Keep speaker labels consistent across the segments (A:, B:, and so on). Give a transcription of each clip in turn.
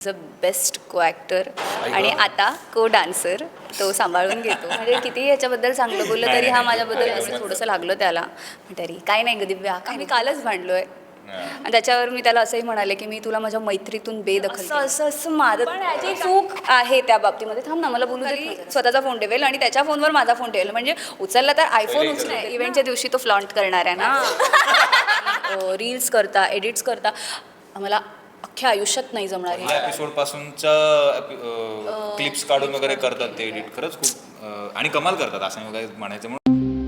A: The best co actor आणि आता को डान्सर तो सांभाळून घेतो. म्हणजे कितीही याच्याबद्दल चांगलं बोललं तरी हा माझ्याबद्दल असं थोडंसं लागलं त्याला. तरी काय नाही ग दिव्या, काय मी कालच भांडलो आहे. आणि त्याच्यावर मी त्याला असंही म्हणाले की मी तुला माझ्या मैत्रीतून बेदखल असं असं असं मारत, पण याची चूक आहे त्या बाबतीमध्ये. थांब ना, मला बोलू तरी स्वतःचा फोन ठेवेल आणि त्याच्या फोनवर माझा फोन ठेवेल. म्हणजे उचलला तर आयफोन उचलेल. इव्हेंटच्या दिवशी तो फ्लॉन्ट करणार आहे ना. रील्स करता, एडिट्स करता, मला अख्ख्या आयुष्यात नाही जमणार.
B: एपिसोड पासूनच्या क्लिप्स काढून वगैरे करतात ते एडिट. खरंच खूप आणि कमाल करतात असं वगैरे म्हणायचं. म्हणून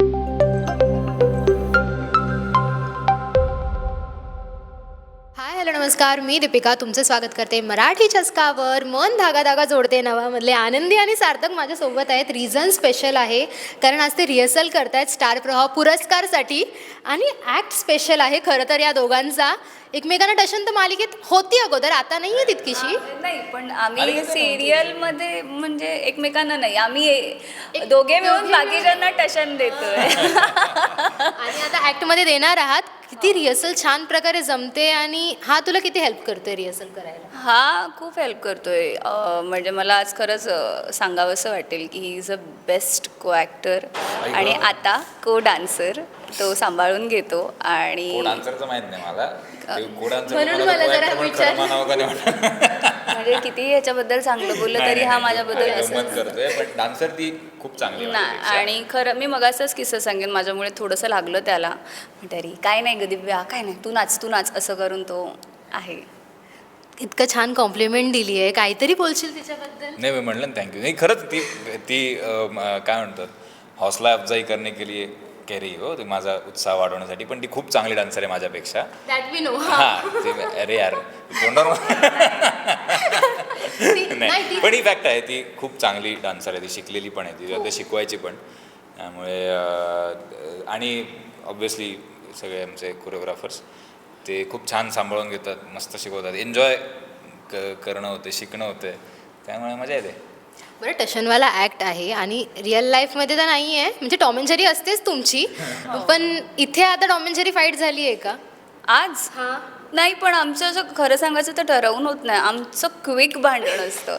C: हाय हॅलो नमस्कार, मी दीपिका तुमचं स्वागत करते मराठी चस्कावर. मन धागा धागा जोडते नवामधले आनंदी आणि सार्थक माझ्यासोबत आहेत. रिझन स्पेशल आहे कारण आज ते रिहर्सल करतायत स्टार प्रवाह पुरस्कारसाठी. आणि ॲक्ट स्पेशल आहे खरं तर या दोघांचा. एकमेकांना टशन तर मालिकेत होती अगोदर, आता नाही आहे तितकीशी.
A: नाही, पण आम्ही सिरियलमध्ये म्हणजे एकमेकांना नाही, आम्ही दोघे मिळून बाकीच्यांना टशन देतोय.
C: आणि आता ॲक्टमध्ये देणार आहात. किती रिहर्सल छान प्रकारे जमते आणि हा तुला किती हेल्प करतोय रिहर्सल करायला?
A: हा खूप हेल्प करतोय. म्हणजे मला आज खरंच सांगावंसं वाटेल की ही is a best co actor आणि आता को डान्सर तो सांभाळून घेतो. आणि
B: डान्सरचं माहित नाही मला.
C: म्हणून मला जरा विचार
A: म्हणजे कितीही याच्याबद्दल चांगलं बोललं तरी हा माझ्याबद्दल असं
B: करतोय, पण डान्सर ती खूप चांगली
A: ना. आणि खरं मी मगाचाच किस्सा सांगेन, माझ्यामुळे थोडंसं लागलं त्याला. तरी काय नाही ग दिव्या, काय नाही, तू नाच असं करून तो आहे.
C: इतकं छान कॉम्प्लिमेंट दिली आहे, काहीतरी बोलशील तिच्याबद्दल?
B: नाही, मी म्हणलं ना थँक्यू. नाही, खरंच ती काय म्हणतात, हौसला अफजाई करने के लिए कह रही हो, ते माझा उत्साह वाढवण्यासाठी. पण ती खूप चांगली डान्सर आहे माझ्यापेक्षा.
C: That we know.
B: हां, अरे यार तोंडावर नाही, पण ही फॅक्ट आहे, ती खूप चांगली डान्सर आहे. ती शिकलेली पण आहे, ती शिकवायची पण. त्यामुळे आणि ऑब्व्हियसली सगळे आमचे कोरिओग्राफर्स ते खूप छान सांभाळून घेतात, मस्त शिकवतात. एन्जॉय करणं होते, शिकणं होते, त्यामुळे मजा येते.
C: बरं, टशनवाला ॲक्ट आहे आणि रिअल लाईफमध्ये तर नाही आहे. म्हणजे टॉम अँड जेरी असतेच तुमची, पण इथे आता टॉम अँड जेरी फाईट झाली आहे का
A: आज? नाही, पण आमचं असं खरं सांगायचं तर ठरवून होत नाही. आमचं क्विक भांडण असतं.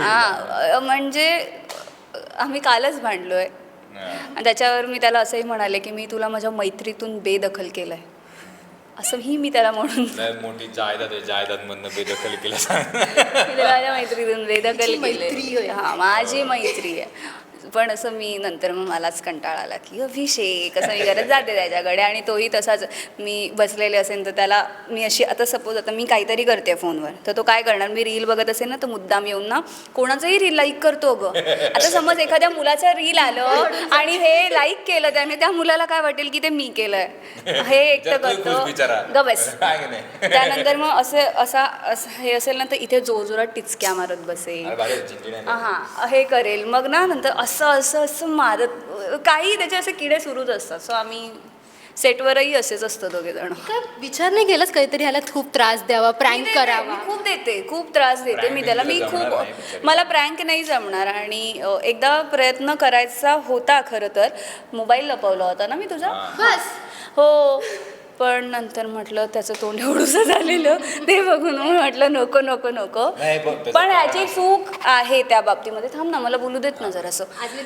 A: म्हणजे आम्ही कालच भांडलो आहे. आणि त्याच्यावर मी त्याला असंही म्हणाले की मी तुला माझ्या मैत्रीतून बेदखल केलं आहे, असंही मी त्याला म्हणून.
B: मोठी जायदाद आहे, जायदादमधनं बेदखल केलं.
A: माझ्या मैत्रीतून बेदखल
C: मैत्री
A: केली.
C: होय.
A: हां, माझी मैत्री आहे. पण असं मी नंतर मग मलाच कंटाळा आला की अभिषेक असं मी करत जाते त्याच्याकडे. आणि तोही तसाच, मी बसलेले असेल तर त्याला मी अशी, आता सपोज आता मी काहीतरी करते फोनवर, तर तो काय करणार, मी रील बघत असेल ना तर मुद्दाम येऊन ना कोणाचंही रील लाईक करतो गं. आता समज एखाद्या मुलाचं रील आलं आणि हे लाईक केलं त्याने, त्या मुलाला काय वाटेल की ते मी केलंय, हे एकटं करतो ग बस. त्यानंतर मग असं हे असेल ना तर इथे जोरजोरात टिचक्या मारत बसेल, हां हे करेल. मग ना नंतर असं असं असं मारत, काही त्याचे असे किडे सुरूच असतात. सो आम्ही सेटवरही असेच असतं दोघेजण.
C: काय विचार नाही केलाच काहीतरी ह्याला खूप त्रास द्यावा, प्रँक करावा?
A: खूप देते, खूप त्रास देते मी त्याला. मी खूप, मला प्रँक नाही जमणार. आणि एकदा प्रयत्न करायचा होता खरं तर, मोबाईल लपवला होता ना मी तुझा.
C: बस
A: हो, पण नंतर म्हटलं त्याचं तोंड एवढंसं झालेलं ते बघून म्हटलं नको नको नको. पण ह्याची चूक आहे त्या बाबतीमध्ये. थांब ना, मला बोलू देत ना जरासं.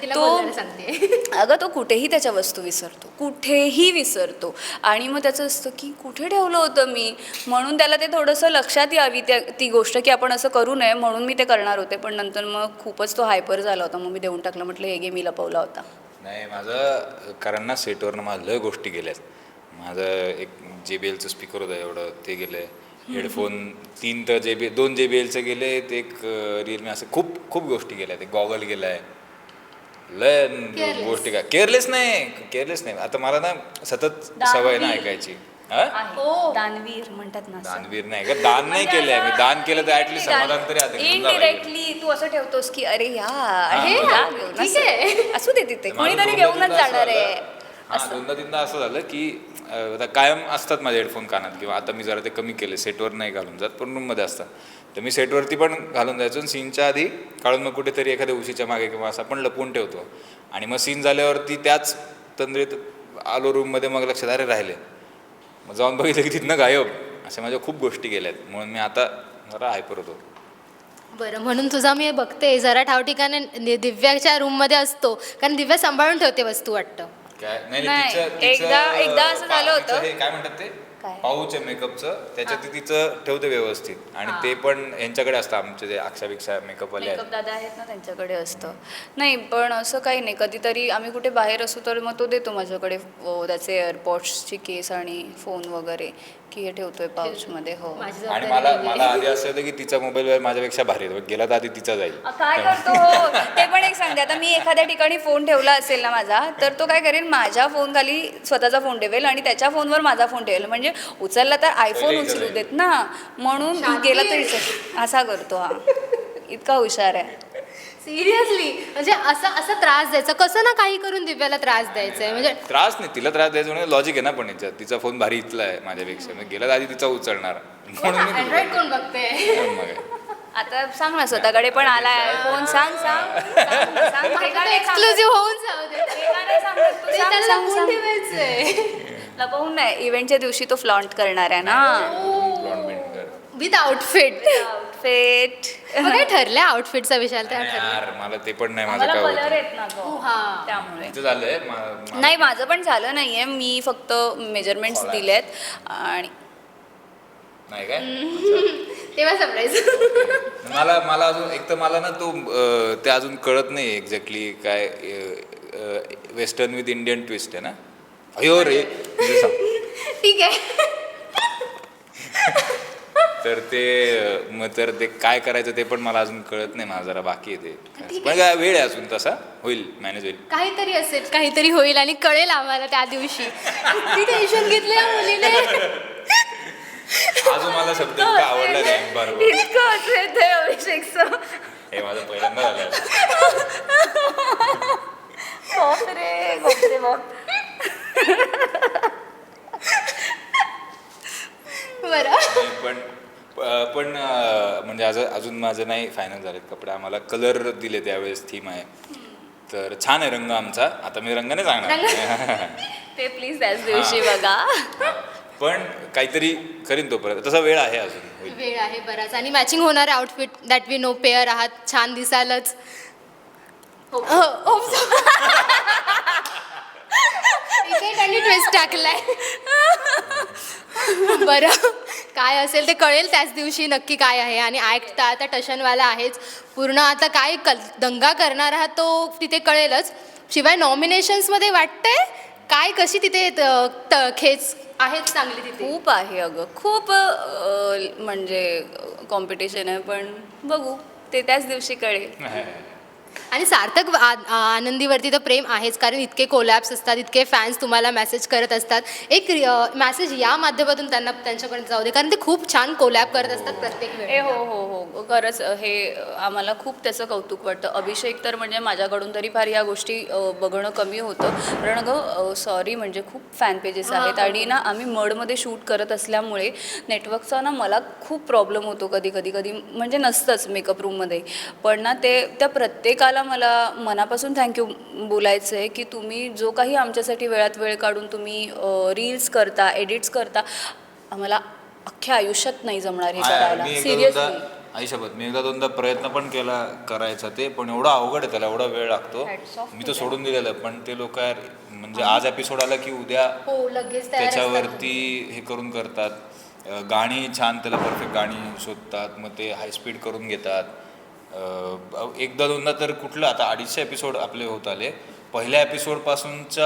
A: अगं तो कुठेही त्याच्या वस्तू विसरतो, कुठेही विसरतो. आणि मग त्याचं असतं की कुठे ठेवलं होतं मी, म्हणून त्याला ते थोडंसं लक्षात यावी ती गोष्ट की आपण असं करू नये, म्हणून मी ते करणार होते. पण नंतर मग खूपच तो हायपर झाला होता, मग मी देऊन टाकलं. म्हटलं हे गे, मी लपवला होता.
B: नाही, माझं कारण ना सेटवरनं माझं लय गोष्टी गेल्यात. माझं एक JBLचं स्पीकर होतं एवढं, ते गेलं आहे. हेडफोन 3 तर दोन JBLचं गेले, ते एक रिअलमी, असं खूप खूप गोष्टी गेल्या. ते गॉगल गेला आहे, लय गोष्टी. काय केअरलेस नाही. आता मला ना सतत सवय ना ऐकायची.
A: दानवीर म्हणतात ना.
B: दानवीर नाही का, दान नाही केलंय मी. दान केलं तर ऍटलीस्ट समाधान तरी आता.
A: इनडिरेक्टली तू असं ठेवतोस की अरे यार असू दे, तिथे कोणीतरी घेऊनच जाणार आहे.
B: दोनदा तीनदा असं झालं की आता कायम असतात माझे हेडफोन कानात, किंवा आता मी जरा ते कमी केले, सेटवर नाही घालून जात पण रूममध्ये असतात. तर मी सेटवरती पण घालून जायचो आणि सीनच्या आधी काढून मग कुठेतरी एखाद्या उशीच्या मागे किंवा असं पण लपवून ठेवतो. आणि मग सीन झाल्यावरती त्याच तंद्रीत आलो रूममध्ये, मग लक्षात अरे राहिले, मग जाऊन बघितलं की तिथनं गायब. अशा माझ्या खूप गोष्टी गेल्यात, म्हणून मी आता जरा हायपर होतो.
C: बरं, म्हणून तुझा मी बघते जरा ठाव ठिकाणी दिव्याच्या रूममध्ये असतो, कारण दिव्या सांभाळून ठेवते वस्तू वाटतं.
B: काय नाही
A: नाही,
B: तिचं
A: एकदा असं झालं होतं.
B: तिचं हे काय म्हणतात ते
A: काय?
B: पाऊच आहे मेकअपचं, त्याच्यात ती तिचं ठेवते व्यवस्थित आणि ते पण यांच्याकडे असतं आमचे जे अक्षापेक्षा मेकअपवाले आहेत.
A: मेकअप दादा आहेत ना त्यांच्याकडे असतं. नाही पण असं काही नाही, कधीतरी आम्ही कुठे बाहेर असू तर मग तो देतो माझ्याकडे त्याचे एअरपॉड्सची केस आणि फोन वगैरे, की हे ठेवतोय पाऊचमध्ये. हो.
C: माझी
B: आणि
C: जबाबदारी
B: मला आधी असं होतं की तिचा मोबाईल माझ्यापेक्षा भारी आहे, गेला तर आधी तिचा जाईल.
A: काय करतो हो ते पण एक सांगते. आता मी एखाद्या ठिकाणी फोन ठेवला असेल ना माझा, तर तो काय करेल, माझ्या फोन खाली स्वतःचा फोन ठेवेल आणि त्याच्या फोनवर माझा फोन ठेवेल, म्हणजे उचलला तर आयफोन
B: पहिले
A: उचलू
B: इथं
A: देत ना, म्हणून
C: शांती
A: गेला
C: आहे.
A: तरी असा करतो हा. इतका हुशार आहे.
C: सिरियसली, म्हणजे असा त्रास द्यायचा, कसं ना काही करून दिव्याला त्रास द्यायचा आहे, म्हणजे
B: त्रास नाही, तिला त्रास द्यायचा म्हणजे लॉजिक आहे ना, पण याच्यात तिचा फोन भारी इथला आहे माझ्यापेक्षा, मग गेला तर आधी तिचा उचलणार म्हणून मी
C: अँड्रॉइड कोण बघते.
B: मग काय.
A: आता सांग ना, स्वतःकडे पण आलाय फोन. सांग सांग सांग ना, सांग. ते का नाही सांगत?
C: एक्सक्लुझिव्ह होऊन जाऊ दे.
A: ते का नाही सांगत तू?
C: ते
A: सांग,
C: त्याला
A: सांग,
C: लपवून
A: सांग.
C: ठेवायचंय.
A: लपवून नाही, इव्हेंटच्या दिवशी तो फ्लॉन्ट करणार आहे ना.
B: Blonde bend कर.
C: With outfit.
A: आउटफिट.
C: काय ठरलंय आउटफिटचा विषय त्या
B: नाही
C: ठरलं.
B: यार, मला ते पण नाही, माझं
A: मला
B: काय
A: कलर
B: होतं
A: आहेत ना गं,
C: हा.
A: त्यामुळे.
B: तिचं झालंय
A: नाही माझं पण झालं नाहीये, मी फक्त मेजरमेंट्स
B: Collapse.
A: दिलेत आणि
B: नाही काय.
C: तेव्हा सरप्राईज.
B: मला अजून एक तर मला ना तो ते अजून कळत नाही एक्झॅक्टली काय वेस्टर्न विथ इंडियन ट्विस्ट आहे ना. अयो रे तुझं सांग.
C: ठीक आहे.
B: तर ते मग तर ते काय करायचं ते पण मला अजून कळत नाही, मला जरा बाकी आहे ते, पण काय वेळ आहे अजून, तसा होईल, मॅनेज होईल.
C: काहीतरी असेल, काहीतरी होईल आणि कळेल आम्हाला त्या दिवशी. किती टेन्शन घेतलं या मुलीने.
B: अजून मला शब्द इतका आवडला नाही. बरोबर,
A: इतकं असं येतंय अभिषेकचं.
B: हे माझं पहिल्यांदा झालं.
A: बापरे, बापरे बाप.
C: बरं.
B: नाही, पण म्हणजे अजून माझं नाही फायनल झालेत कपडे. आम्हाला कलर दिले त्यावेळेस, थीम आहे, तर छान आहे रंग आमचा. आता मी रंगाने सांगणार.
A: ते प्लीज त्याच दिवशी बघा.
B: पण काहीतरी करीन तोपर्यंत, तसा वेळ आहे अजून, होईल.
C: वेळ आहे बराच, आणि मॅचिंग होणार outfit that we know pair आहात, छान दिसालच. इथे त्यांनी ट्विस्ट टाकलाय. बरं, काय असेल ते कळेल त्याच दिवशी नक्की काय आहे. आणि ॲक्ट तर आता टशनवाला आहेच पूर्ण, आता काय दंगा करणार आहात तो तिथे कळेलच. शिवाय नॉमिनेशन्समध्ये वाटतंय काय कशी तिथे खेच आहेच चांगली तिथे.
A: खूप आहे अगं, खूप म्हणजे कॉम्पिटिशन आहे, पण बघू ते त्याच दिवशी कळेल.
C: आणि सार्थक आनंदीवरती तर प्रेम आहेच, कारण इतके कोलॅप्स असतात, इतके फॅन्स तुम्हाला मेसेज करत असतात. एक मेसेज या माध्यमातून त्यांना त्यांच्यापर्यंत जाऊ दे, कारण ते खूप छान कोलॅप करत असतात प्रत्येक वेळी.
A: हो हो हो, खरंच हे आम्हाला खूप त्याचं कौतुक वाटतं. अभिषेक तर म्हणजे माझ्याकडून तरी फार या गोष्टी बघणं कमी होतं, कारण अगं सॉरी म्हणजे खूप फॅन पेजेस आहेत आणि ना आम्ही मडमध्ये शूट करत असल्यामुळे नेटवर्कचा ना मला खूप प्रॉब्लेम होतो कधी म्हणजे नसतंच मेकअप रूममध्ये, पण ना ते त्या प्रत्येकाला मला मनापासून थँक्यू बोलायचं आहे की तुम्ही जो काही आमच्यासाठी वेळात वेळ काढून तुम्ही रील्स करता, एडिट्स करता, आम्हाला अख्ख्या आयुष्यात नाही जमणार हे करायला. सिरियसली
B: आयुष्यात मी एकदा दोनदा प्रयत्न पण केला करायचा ते, पण एवढा अवघड आहे, त्याला एवढा वेळ लागतो.
A: Hats off
B: मी तर सोडून दिलेलं, पण ते लोक म्हणजे आज एपिसोड आला की उद्या
C: हो, लगेच तयार असतात.
B: त्याच्यावरती हे करून करतात. गाणी छान, त्याला परफेक्ट गाणी शोधतात, मग ते हाय स्पीड करून घेतात. एकदा दोनदा तर कुठलं आता 250 एपिसोड आपले होत आले, पहिल्या एपिसोडपासूनच्या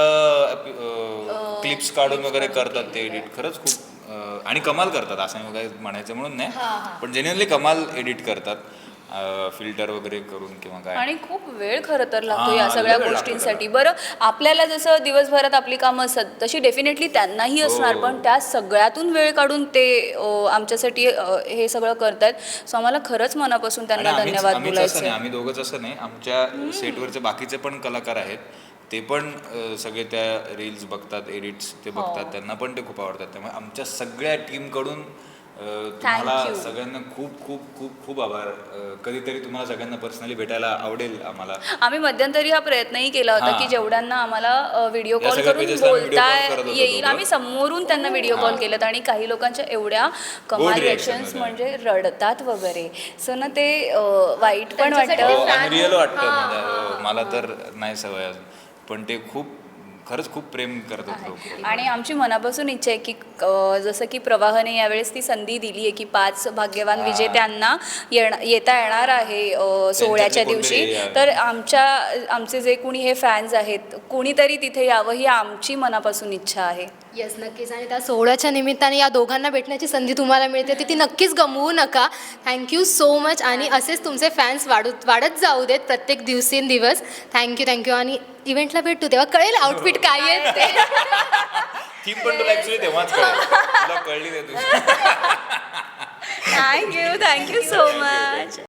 B: क्लिप्स काढून वगैरे करतात ते एडिट. खरंच खूप आणि कमाल करतात, असं वगैरे म्हणायचं म्हणून नाही, पण जेन्युअनली कमाल एडिट करतात, फिल्टर वगैरे करून किंवा काय.
A: आणि खूप वेळ खरं तर लागतो
B: हां,
A: या सगळ्या
B: वेळ लागतो
A: गोष्टींसाठी. बरं, आपल्याला जसं दिवसभरात आपली कामं असतात तशी डेफिनेटली त्यांनाही असणार,
B: हो.
A: पण त्या सगळ्यातून वेळ काढून ते आमच्यासाठी हे सगळं करतात. सो आम्हाला खरंच मनापासून त्यांना
B: आणि
A: धन्यवाद
B: आम्हीच
A: बोलायचं
B: असं नाही,
A: आहे.
B: आम्ही दोघंच असं नाही, आमच्या सेटवरचे बाकीचे पण कलाकार आहेत, ते पण सगळे त्या रील्स बघतात, एडिट्स ते बघतात, त्यांना पण ते खूप आवडतात. त्यामुळे आमच्या सगळ्या टीमकडून तुम्हाला सगळ्यांना खूप खूप खूप खूप आभार. कधीतरी तुम्हाला सगळ्यांना पर्सनली भेटायला आवडेल आम्हाला.
A: आम्ही मध्यंतरी हा प्रयत्नही केला होता की जेवढ्यांना आम्हाला व्हिडिओ
B: या
A: कॉल
B: सगळ्या
A: करून
B: pages ला आम्ही video
A: बोलता
B: call करत होतो
A: येईल.
B: दोघं.
A: आम्ही समोरून त्यांना व्हिडिओ कॉल केलेत आणि काही लोकांच्या एवढ्या कमाल
B: reaction
A: रिएक्शन्स
B: होत्या.
A: म्हणजे रडतात वगैरे. सो ना ते वाईट पण
C: त्यांच्यासाठी
A: वाटतं.
C: fan
B: अनरिअल वाटतं
C: हां,
B: म्हणजे मला तर नाही सवय अजून, पण ते खूप खरंच खूप प्रेम करतात लोक.
A: आणि आमची मनापासून इच्छा आहे की जसं की प्रवाहाने यावेळेस ती संधी दिली आहे की 5 भाग्यवान विजेत्यांना येता येणार आहे सोहळ्याच्या
B: कोणतरी
A: दिवशी.
B: यावे.
A: तर आमचे जे कुणी हे फॅन्स आहेत कुणीतरी तिथे यावं ही आमची मनापासून इच्छा आहे.
C: येस नक्कीच. आणि त्या सोहळ्याच्या निमित्ताने या दोघांना भेटण्याची संधी तुम्हाला मिळते ती नक्कीच गमवू नका. Thank you so much. आणि असेच तुमचे फॅन्स वाढत जाऊ देत प्रत्येक दिवसेंदिवस. थँक्यू. आणि इव्हेंटला भेटू तेव्हा कळेल आउटफिट काय आहे ते.
B: थीम पण तुला ऍक्च्युली तेव्हाच कळेल. तुला कळली नाही तुझी.
A: Thank you so much.